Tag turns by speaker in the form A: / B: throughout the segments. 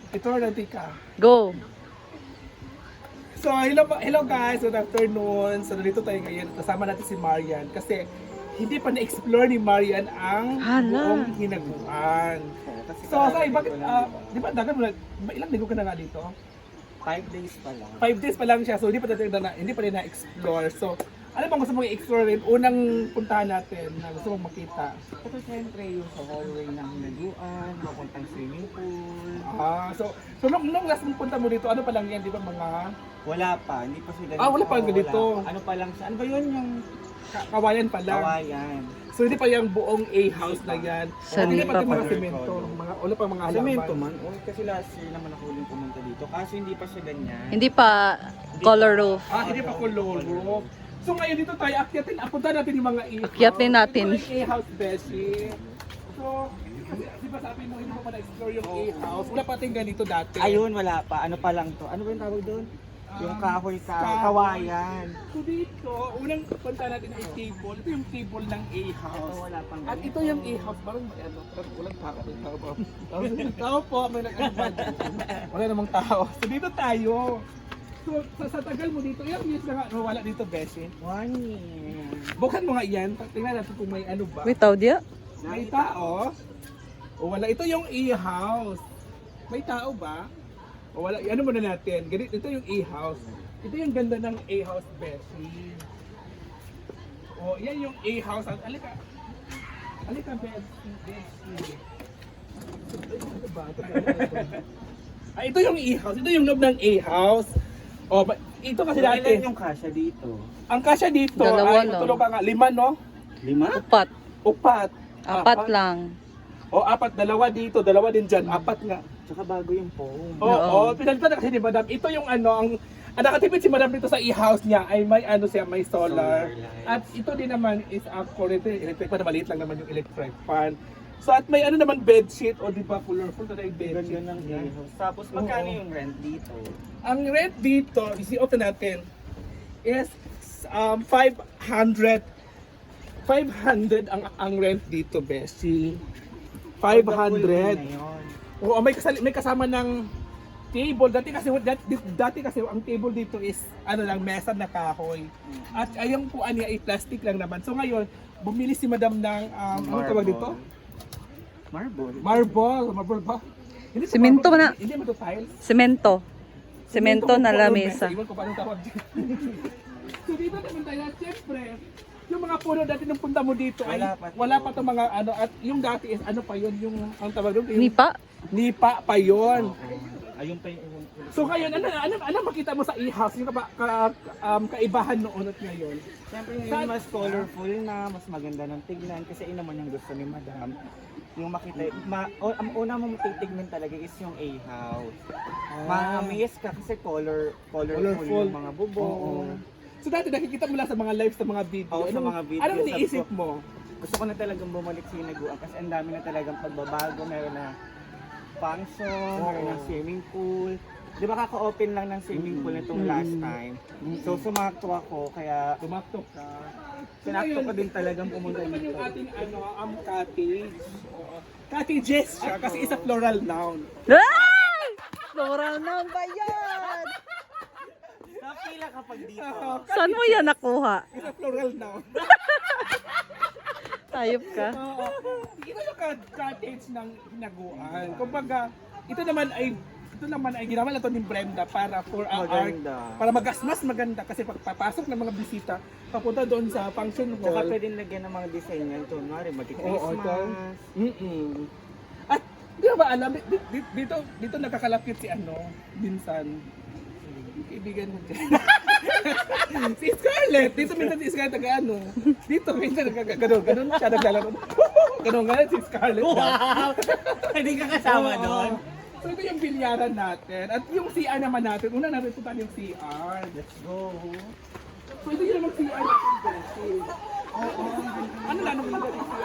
A: Ito na tika.
B: Go!
A: So, hello guys, good afternoon. So, dito tayo ngayon. Kasama natin si Marian kasi hindi pa na-explore ni Marian ang buong hinaguan. So, bakit, di ba, dagan mo na, ilang linggo ka na nga dito?
C: 5 days pa lang.
A: 5 days pa lang siya, so hindi pa rin na-explore. So, ano bang gusto mong i-explore rin? Unang puntahan natin na gusto mong makita.
C: Ito siyempre yung sa hallway ng hinaguan, mapuntang swimming pool.
A: So nung last mong punta mo dito, ano pa lang yan, di ba mga
C: Wala pa, hindi pa sila.
A: wala pa ganito.
C: Ano pa lang siya? Ano ba yun yung
A: kawayan pa lang?
C: kawayan?
A: So hindi pa yung buong A-house na yan. Hindi pa yung mga
C: pa.
A: semento, wala pa mga halaman.
C: Semento man. O, kasi last year naman ako huling pumunta dito. Kaso hindi pa siya ganyan.
B: Hindi pa color roof.
A: Hindi pa koloro. So ngayon dito tayo, punta natin yung mga A-house.
B: Akyatin natin.
A: Ito yung A-house, Beshi. So, kasi di ba sabi mo, hindi mo pa na-explore yung A-house. Wala pa tayong ganito dati.
C: Ayun, wala pa. Ano pa lang to? Ano ba yung tawag doon? Yung kahoy kawayan.
A: So dito, unang punta natin ay table. Ito yung table ng A-house.
C: Ito, wala pang
A: At ito yung A-house, parang may ano, parang walang tao. Tao po, may wala namang tao. So dito tayo. So sa tagal mo dito, ilang years na nga wala dito, Beshi?
C: 1 year.
A: Buksan mo nga yan, tingnan natin kung may ano ba.
B: Wait, dia?
A: May tao? O wala, ito yung A-house. May tao ba? O wala, ano muna natin, ganito, ito yung A-house. Ito yung ganda ng A-house, Beshi. O, yan yung A-house. Alika, Beshi. Ito ba? Ito yung A-house. Ito yung loob ng A-house. O, ito kasi dati.
C: Ilan yung kasya dito?
A: Ang kasya dito
B: Dalawa
A: ay,
B: lang.
A: tulog ka nga, 5, no?
C: 5?
B: Upat.
A: Upat.
B: 4 lang.
A: O, 4, 2 dito, 2 din dyan, 4 nga.
C: Tsaka bago yung phone.
A: Oo, pinalitan na kasi ni Madam. Ito yung ano, ang nakatipid si Madam dito sa e-house niya ay may ano siya, may solar.
C: Solar light.
A: At ito din naman is currently electric fan, maliit lang naman yung electric fan. So at may ano naman bedsheet o di ba colorful na yung
C: Ganda
A: bedsheet.
C: ng A-house. Tapos magkano yung rent dito?
A: Ang rent dito, isi-open natin is 500 ang rent dito, Bessie. 500. Oo, may kasama ng table. Dati kasi ang table dito is ano lang, mesa na kahoy. At ayang puan niya ay plastic lang naman. So ngayon, bumili si Madam ng ano tawag dito?
C: Marble.
A: Marble ba? Hindi to
B: Semento
A: marble,
B: na.
A: Hindi mo to tiles.
B: Semento. Semento na
A: Puro
B: lamesa.
A: mesa. Iwan ko paano tawag dito. So dito naman tayo, siyempre, yung mga puno dati nung punta mo dito ay wala pa to mga ano, at yung dati is ano pa yun, yung ang tawag doon, yung nipa pa yun.
C: Ayun pa yung
A: So ngayon, ano makita mo sa e-house? Yung kaibahan noon at ngayon?
C: Siyempre ngayon mas colorful na, mas maganda ng tignan kasi yun naman yung gusto ni Madam. Yung makita, ang una mong titignan talaga is yung A-house. Ma-amaze ka kasi colorful yung mga bubong.
A: So dati nakikita mo lang sa mga lives, sa mga video.
C: Oo, sa mga video.
A: Anong iniisip mo?
C: Gusto ko na talagang bumalik sa hinaguan kasi ang dami na talagang pagbabago. Meron na function, meron na swimming pool. Di ba kaka-open lang ng swimming pool nitong last time? So sumakto ako, kaya
A: Tumaktok ka.
C: sinakto ko din talagang pumunta
A: Ito naman
C: dito.
A: yung ating cottage. Oo. Cottages siya kasi isa floral noun.
B: Ay! Floral na ba yan?
C: Napila kapag dito.
B: Saan mo yan nakuha?
A: Isa floral noun.
B: Tayop ka.
A: Oo. Ito yung cottage ng hinaguan. Kumbaga, ito naman ay ginawa na to ni Brenda para for our art,
C: Maganda.
A: para mas maganda kasi pagpapasok ng mga bisita papunta doon sa function
C: Tsaka
A: hall.
C: pwedeng lagyan ng mga design yan. Kunwari,
A: Oo, ito.
C: mag-Christmas.
A: At di ba alam, dito nakakalapit si Binsan. Kaibigan mo dyan. Si Scarlett! Dito minsan si Scarlett dito minsan ganun siya naglalaro. Ganun si Scarlett.
C: Wow! Hindi ka kasama
A: Oo.
C: doon.
A: So ito yung bilyaran natin. At yung CR naman natin, una natin punta yung CR.
C: Let's go.
A: So ito yung naman CR natin, Beshi. Oo. Ano na, nung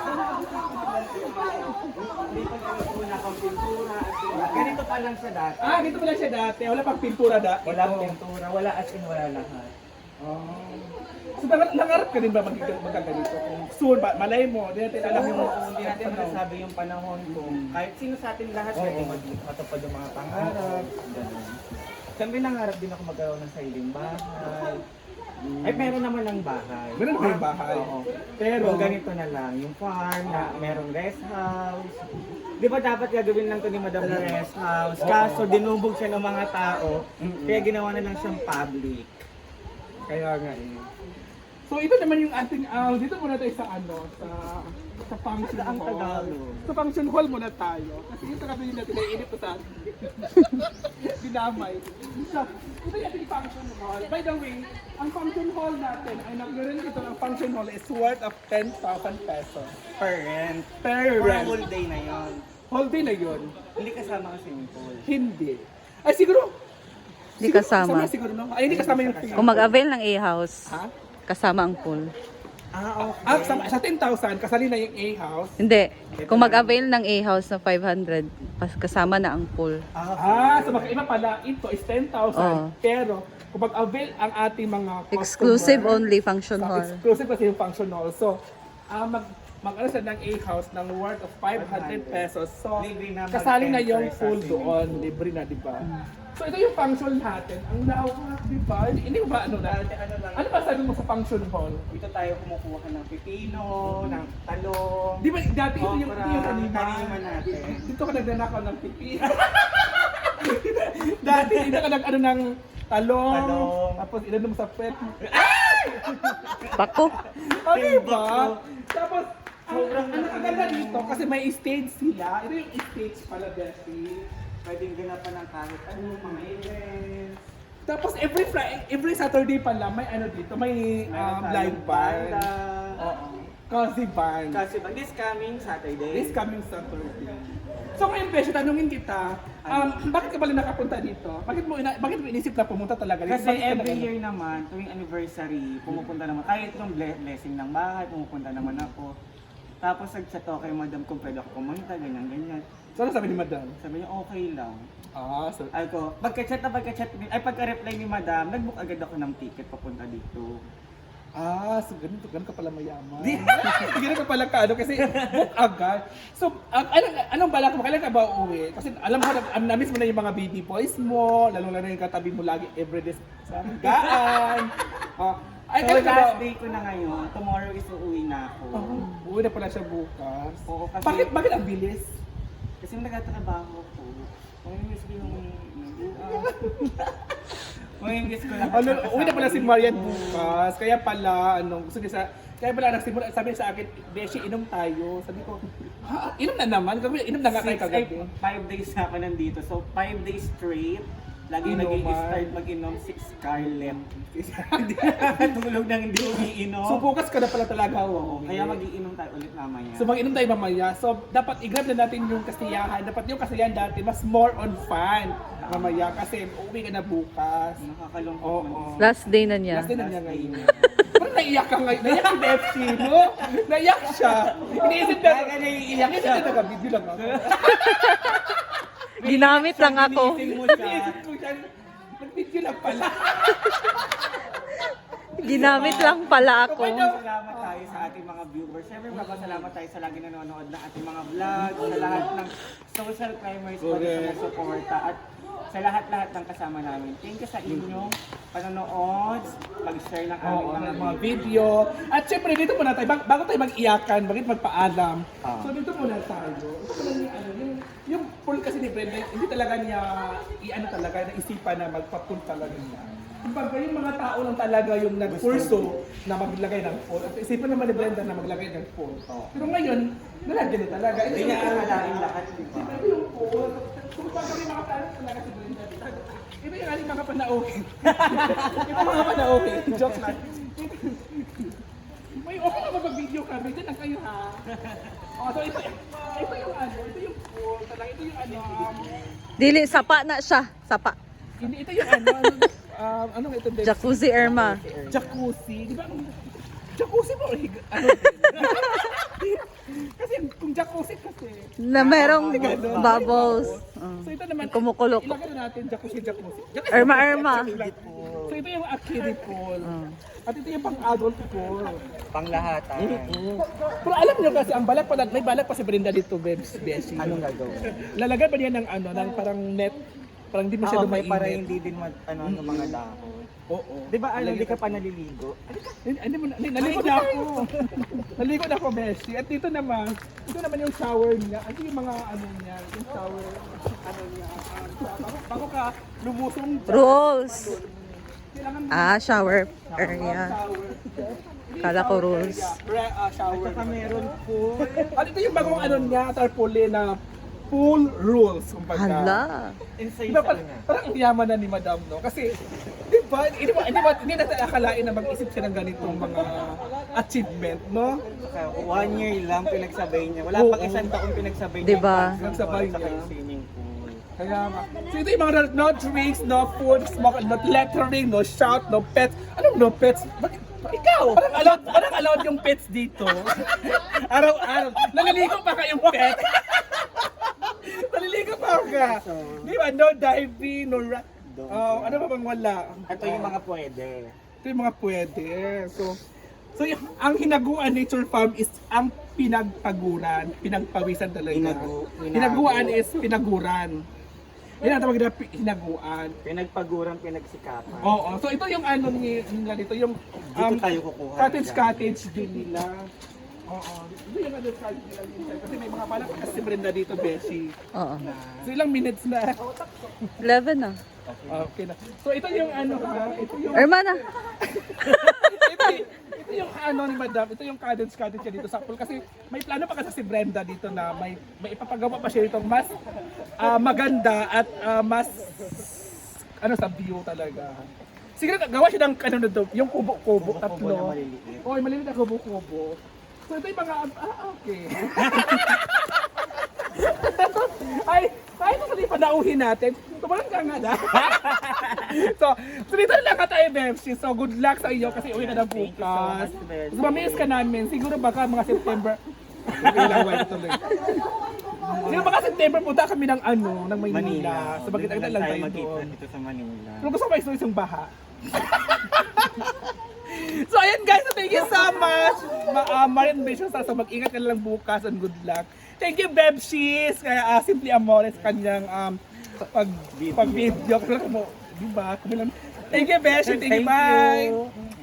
C: Una pang pintura. Ganito pa lang siya dati.
A: dito pala siya dati. Wala pang pintura dati.
C: Wala pintura, wala as in wala lahat.
A: So nangarap ka din ba magkaganito? Kung soon, malay mo, hindi natin alam yung
C: Hindi natin masasabi yung panahon kung kahit sino sa atin lahat pwede matupad yung mga pangarap. Ganun. Siyempre nangarap din ako magkaroon ng sariling bahay. Ay, meron naman ng bahay.
A: Meron naman yung bahay.
C: Oo.
A: Pero,
C: Pero ganito na lang, yung farm na merong rest house. Di ba dapat gagawin lang to ni Madam na rest house? Kaso dinubog siya ng mga tao, kaya ginawa na lang siyang public.
A: kaya nga eh. So ito naman yung ating, dito muna tayo sa sa function
C: Ang
A: hall.
C: Tagalog.
A: Sa function hall muna tayo. Kasi ito kasi yung natin, naiinip ko sa atin. Dinamay. So, ito yung ating function hall. By the way, ang function hall natin, ay nagkaroon dito ng function hall is worth of 10,000 pesos.
C: Per rent.
A: Per
C: For a
A: rent.
C: whole day na yon.
A: Whole day na yun.
C: Hindi kasama ang swimming pool.
A: Hindi. Ay siguro.
B: Hindi
A: siguro
B: kasama.
A: Siguro no? Ay hindi kasama yung fee.
B: Kung mag-avail ng A-house,
A: Ha?
B: kasama ang pool.
C: Okay.
A: Sa 10,000, kasali na yung A-house.
B: Hindi. Kung mag-avail ng A-house na 500, kasama na ang pool.
A: So magkaiba pala, ito is 10,000,
B: Oo.
A: pero kung mag-avail ang ating mga customer,
B: Exclusive only function hall.
A: Exclusive kasi yung function hall. So, mag-ano siya ng A-house ng worth of 500 pesos. So,
C: Libre na
A: kasali na
C: mag-enter
A: yung
C: sa
A: pool
C: swimming
A: doon. Libre na, di ba? So, ito yung function natin. Ang lawak, di ba? Hindi mo ba ano na? Ano ba sabi mo sa function hall?
C: Dito tayo kumukuha ng pipino, ng talong.
A: Di ba dati ito yung
C: okra,
A: kanina?
C: kanima natin.
A: Dito ka nagnanakaw ng pipi. Dati dito ka nag-ano ng talong.
C: Talong.
A: Tapos inano mo sa pet.
B: Bako.
A: Oh, diba? Tapos, ang nakaganda dito kasi may stage sila. Ito yung stage pala, Bessie.
C: Pwedeng ganapan ng kahit ano, mga events.
A: Tapos every Saturday pala may ano dito, may
C: Meron tayong
A: live band.
C: banda.
A: Oo. Cozy band.
C: Kasi this coming Saturday.
A: This coming Saturday. So ngayon, Bessie, tanungin kita, bakit ka pala nakapunta dito? Bakit mo inisip na pumunta talaga dito?
C: Kasi
A: Bakit ka
C: every
A: na-
C: year naman, tuwing anniversary, pumupunta naman. Kahit yung blessing ng bahay, pumupunta naman ako. Tapos nag-chat ako kay Madam kung pwede ako pumunta, ganyan-ganyan.
A: So ano sabi ni Madam?
C: Sabi niya, okay lang.
A: So
C: Ay ko, pagka-reply ni Madam, nag-book agad ako ng ticket papunta dito.
A: so ganun ka pala mayaman. Ganun ka pala ka, ano, kasi book agad. So, anong balak mo? Kailan ka ba uuwi? Kasi alam ko, na-miss mo na yung mga baby boys mo, lalo-lalo yung katabi mo lagi everyday sa higaan. Ay,
C: So
A: kailan ka ba?
C: last day ko na ngayon, tomorrow is uuwi na ako.
A: Uwi na pala siya bukas.
C: Oo, kasi-
A: Bakit ang bilis?
C: Kasi nagtatrabaho ko. Mamimiss ko yung... Mamimiss ko lang.
A: Uwi na pala si Marian bukas. Kaya pala, gusto niya kaya pala nagsimula, sabi niya sa akin, Beshi, inom tayo. Sabi ko, inom na naman? Inom na nga kayo kagabi.
C: 5 days na ako nandito. So 5 days straight, lagi
A: Inuman.
C: nag-i-start mag-inom si Scarlett. Tulog nang hindi umiinom.
A: So bukas ka na pala talaga.
C: Oo, kaya mag-iinom tayo ulit mamaya.
A: So mag-inom tayo mamaya. So dapat i-grab na natin yung kasiyahan. Dapat yung kasiyahan dati mas more on fun mamaya kasi uuwi ka na bukas.
C: Nakakalungkot
A: Oo.
C: man.
B: Last day na niya.
A: Last day na niya ngayon. Parang naiyak ka ngayon. Naiyak si Betsy, no? Naiyak siya. Iniisip na.
C: Kaya naiiyak siya.
A: Iniisip na video lang ako.
B: Ginamit lang ako.
C: Ginising mo siya.
A: Iniisip ko siya. Nag-video lang pala.
B: Ginamit lang pala ako.
C: Salamat tayo sa ating mga viewers. Siyempre, salamat tayo sa lagi nanonood ng ating mga vlog, sa lahat ng social climbers po na sumusuporta at sa lahat-lahat ng kasama namin. Thank you sa inyong panonood, pag-share ng aming
A: Oo,
C: mga
A: mga video. At syempre, dito muna tayo. Bago tayo mag-iyakan, bakit magpaalam. So dito muna tayo. Ito pala yung pool kasi ni Brenda, hindi talaga niya, naisipan na magpa-pool talaga niya. Kumbaga yung mga tao lang talaga yung nag-purso na maglagay ng pool. At isipan naman ni Brenda na maglagay ng pool. Pero ngayon, nalagyan niya talaga.
C: Hindi niya akalain lahat, di ba?
A: Ito yung pool. Kung baga may mga plano talaga si Brenda. Ito yung aling mga panauhin. Ito yung mga panauhin. Joke lang. May okay na mag-video kami. Diyan lang kayo ha. So ito yung pool. Talaga ito yung
B: Dili, sapa na siya. Sapa.
A: Hindi, ito yung anong ito?
B: Jacuzzi Irma.
A: Jacuzzi. Di ba? Jacuzzi mo? Kasi kung jacuzzi kasi.
B: Na merong
A: Ganun.
B: bubbles.
A: So ito naman,
B: Kumukulok.
A: ilagay na natin jacuzzi.
B: Irma.
A: So ito yung kiddie pool.
B: Oh.
A: At ito yung pang-adult pool.
C: Panglahatan.
A: Pero alam nyo kasi, ang balak pa, may balak pa si Brenda dito, Beshi.
C: Anong gagawin?
A: Lalagyan ba niya ng ano, ng parang net, parang hindi masyado
C: Okay, para
A: mainit.
C: hindi din ng mga dahon.
A: Oo.
C: Di ba ano, hindi ka pa naliligo?
A: Naligo na ako. Naligo na ako, Beshi. At dito naman yung shower niya. At yung mga ano niya, yung shower, ano niya. Bago ka lumusong dyan.
B: Rules.
A: Kailangan mo
B: Shower area.
A: shower.
B: Kala ko rules.
A: Shower.
C: Saka meron po.
A: At ito yung bagong ano niya, tarpaulin na pool rules. Kumbaga.
B: Hala.
C: Inside
A: Diba,
C: sa kanya.
A: parang ang yaman na ni Madam, no? Kasi, hindi natin akalain na mag-isip siya ng ganitong mga achievement, no?
C: Saka 1 year lang pinagsabay niya. Wala
A: Oo.
C: pang isang taon pinagsabay niya.
B: Diba?
A: Nagsabay
C: Saka
A: niya.
C: yung swimming pool.
A: Kaya nga. So ito yung mga no drinks, no food, smoke, no lettering, no shout, no pets. Anong no pets? Bakit? Ikaw! Parang allowed yung pets dito. Araw-araw. Naliligo pa kayong pet. Naliligo pa ka. Di ba? No diving, no ano ba bang wala?
C: Ito yung mga pwede.
A: Ito yung mga pwede. So ang Hinaguan Nature Farm is ang pinagpaguran, pinagpawisan talaga. Hinaguan is pinaguran. Yan ang tawag na hinaguan.
C: Pinagpaguran, pinagsikapan.
A: Oo. So ito yung ano nila dito, yung
C: Dito tayo kukuha.
A: cottage din nila. Oo. Ito yung ano cottage nila minsan. Kasi may mga balak kasi si Brenda dito, Beshi.
B: Oo.
A: So ilang minutes na.
B: 11 na.
A: Okay na. So ito yung ano ha, ito yung
B: Hermana.
A: ito yung ano ni Madam, ito yung cottage niya dito sa pool kasi may plano pa kasi si Brenda dito na may ipapagawa pa siya itong mas maganda at mas ano sa view talaga. Siguro gawa siya ng ano nito, yung kubo-kubo
C: na
A: tatlo.
C: maliliit.
A: Oh, maliliit na kubo-kubo. So ito yung mga okay. ay ito sa panauhin natin. Tumalan ka nga na. so dito lang ka tayo, Bebshi. So good luck sa iyo kasi uwi ka na bukas. So mamiss ka namin. Siguro baka mga September. Kailangan tuloy. Siguro baka September punta kami ng ano, ng Maynila. So bakit
C: Doon
A: lang tayo
C: magkita
A: doon.
C: dito sa Manila.
A: Pero gusto ko may isang baha. So ayan guys, so thank you so much. Marin Vision sa mag-ingat ka lang bukas and good luck. Thank you Bebshis. Kaya Simply Amores kanyang pag-video. Kasi mo, di ba? Thank you Bebshis. Thank you. Bye.